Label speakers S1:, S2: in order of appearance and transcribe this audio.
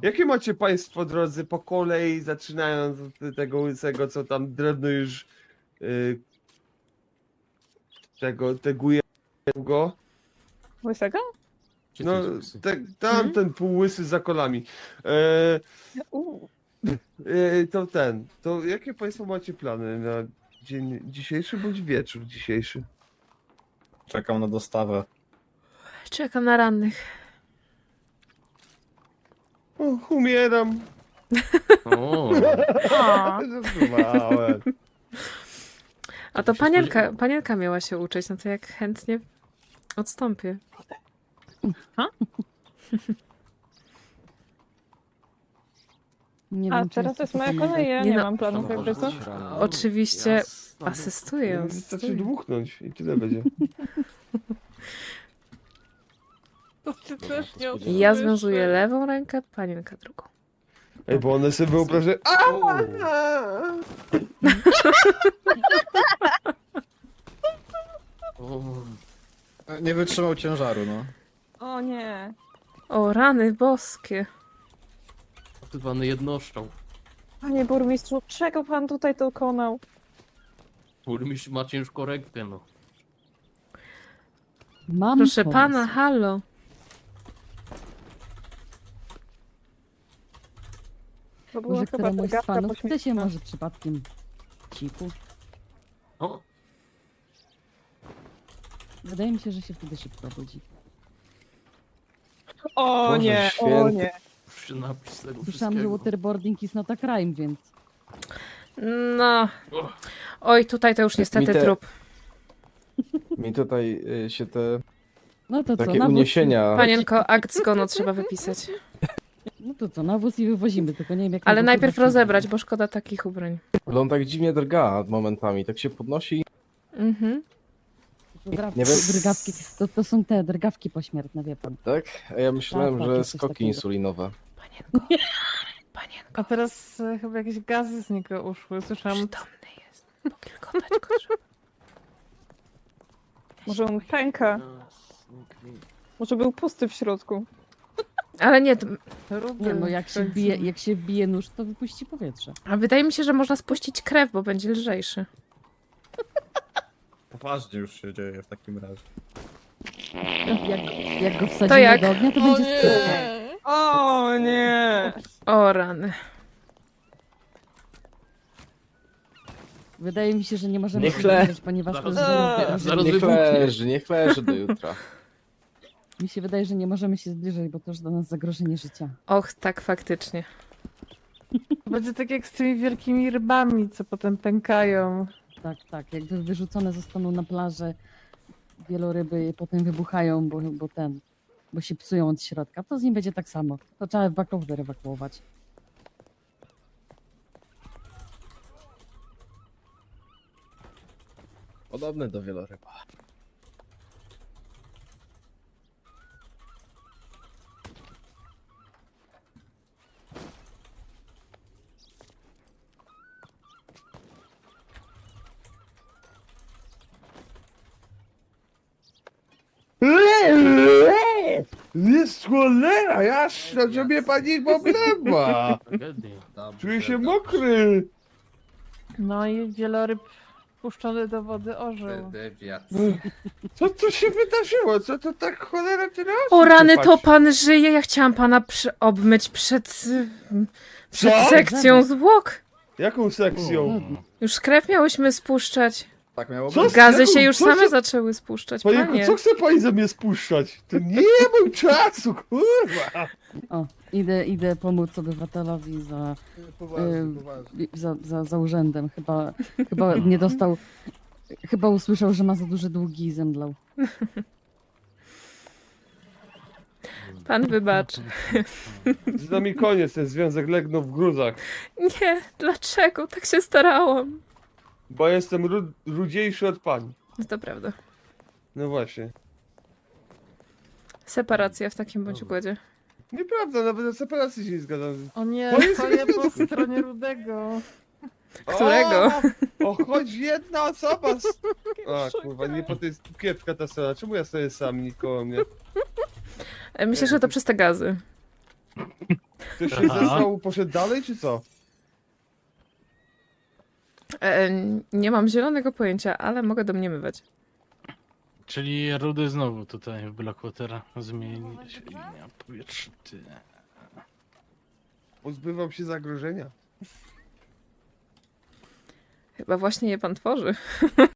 S1: Jakie macie państwo, drodzy, po kolei, zaczynając od tego łysego, co tam drewno już teguje go?
S2: Łysego?
S1: No, ten półłysy za kolami. To jakie państwo macie plany na dzień dzisiejszy bądź wieczór dzisiejszy?
S3: Czekam na dostawę.
S4: Czekam na rannych.
S1: O, umieram.
S5: O,
S1: Żartowałem.
S4: A to panienka miała się uczyć, no to jak chętnie odstąpię.
S6: Nie
S2: A
S6: wiem, czy
S2: teraz to jest moja
S6: pomogę.
S2: kolej, ja
S4: Nie
S2: nie
S4: no.
S2: mam planów jakby co.
S4: Oczywiście asystuję.
S1: Wystarczy dmuchnąć i tyle będzie.
S2: To ty też nie
S4: Ja związuję lewą rękę, panienka drugą.
S1: Ej, bo one sobie wyobrażają...
S3: Nie wytrzymał ciężaru, no.
S2: O nie.
S4: O, rany boskie.
S5: zwany jednoszczał.
S2: Panie burmistrzu, czego pan tutaj dokonał?
S5: Burmistrz ma ciężką rękę, no.
S6: Mam
S4: Proszę
S6: pomysł.
S4: pana, halo.
S2: To była
S6: Może
S2: chyba
S6: któremuś z
S2: gadka
S6: panów chce się
S2: pośmiertna.
S6: może przypadkiem ciku.
S5: O,
S6: Wydaje mi się, że się wtedy szybko budzi.
S2: O
S1: Boże
S2: nie, o
S1: święty.
S2: nie.
S5: przy napis tego
S6: Słyszałam, że
S5: wszystkiego.
S6: waterboarding is not a crime, więc...
S4: No. Oj, tutaj to już niestety trup.
S3: Mi tutaj się te
S6: No to co,
S3: takie
S6: nawóz
S3: uniesienia...
S4: Panienko, akt zgonu trzeba wypisać.
S6: No to co, nawóz i wywozimy, tylko nie wiem jak...
S4: Ale
S6: tego
S4: najpierw
S6: kurwa
S4: rozebrać, bo szkoda takich ubrań.
S3: Ale on tak dziwnie drga momentami, tak się podnosi.
S4: Mhm.
S6: Drgawki,
S3: Nie wiem.
S6: drgawki. To są te drgawki pośmiertne, wie pan.
S3: Tak? A ja myślałem,
S6: Tak,
S3: że
S6: jest coś
S3: skoki
S6: takiego.
S3: insulinowe.
S4: Panienko. Panienko,
S7: A teraz chyba jakieś gazy z niego uszły. Słyszałam.
S4: przytomny jest. Pokilkotać go trzeba.
S2: Może on pęka. Może był pusty w środku.
S4: Ale nie, to...
S6: Nie no, jak się wbije nóż, to wypuści powietrze.
S4: A wydaje mi się, że można spuścić krew, bo będzie lżejszy.
S3: Poważnie już się dzieje w takim razie.
S6: Jak go wsadzimy
S4: jak?
S6: do ognia, to będzie skóra.
S2: O nie.
S4: O rany.
S6: Wydaje mi się, że nie możemy
S3: Niech
S6: się
S3: le-
S6: zbliżać, ponieważ to jest
S5: Zaraz
S3: Niech leży do jutra.
S6: Mi się wydaje, że nie możemy się zbliżać, bo to już dla nas zagrożenie życia.
S4: Och, tak faktycznie.
S7: Będzie tak jak z tymi wielkimi rybami, co potem pękają.
S6: Tak, tak. Jakby wyrzucone zostaną na plażę wieloryby, potem wybuchają, bo się psują od środka. To z nim będzie tak samo. To trzeba ewakuować.
S3: Podobne do wieloryba.
S1: Jest cholera, jasna, że mnie pani poblewa.
S5: Tragedia.
S1: Czuję się mokry.
S7: No i wieloryb puszczony do wody ożył.
S1: Co tu się wydarzyło? Co to tak cholera tyle osób
S4: O rany,
S1: się
S4: to
S1: patrzy?
S4: pan żyje. Ja chciałam pana obmyć przed
S1: Co?
S4: sekcją zwłok.
S1: Jaką sekcją?
S4: Już krew miałyśmy spuszczać.
S3: Tak miało
S1: Co?
S3: być.
S4: Gazy
S1: Jaką-
S4: się już
S1: co
S4: same
S1: się-
S4: zaczęły spuszczać,
S1: Panienko,
S4: panie.
S1: co chce pani ze mnie spuszczać? To nie mam czasu, kurwa.
S6: O, idę pomóc obywatelowi za urzędem. Chyba nie dostał... Chyba usłyszał, że ma za duże długi i zemdlał.
S4: Pan wybacz.
S1: Z nami koniec, ten związek legnął w gruzach.
S4: Nie, dlaczego? Tak się starałam.
S1: Bo jestem rudziejszy od pani.
S4: No to prawda.
S1: No właśnie.
S4: Separacja w takim bądź układzie.
S1: Nieprawda, nawet na separacji się nie zgadzam.
S7: O nie,
S1: To jest-
S7: stoję po stronie Rudego.
S4: Którego?
S1: O, choć jedna osoba. A kurwa, nie po tej kiepska ta scena. Czemu ja stoję sam, nikt koło mnie?
S4: Myślę, że to przez te gazy.
S1: Ktoś się
S5: Aha.
S1: zesrał, poszedł dalej, czy co?
S4: Nie mam zielonego pojęcia, ale mogę domniemywać.
S8: Czyli Rudy znowu tutaj w Blackwatera zmieni się linia powietrza. Ty.
S1: Pozbywam się zagrożenia.
S4: Chyba właśnie je pan tworzy.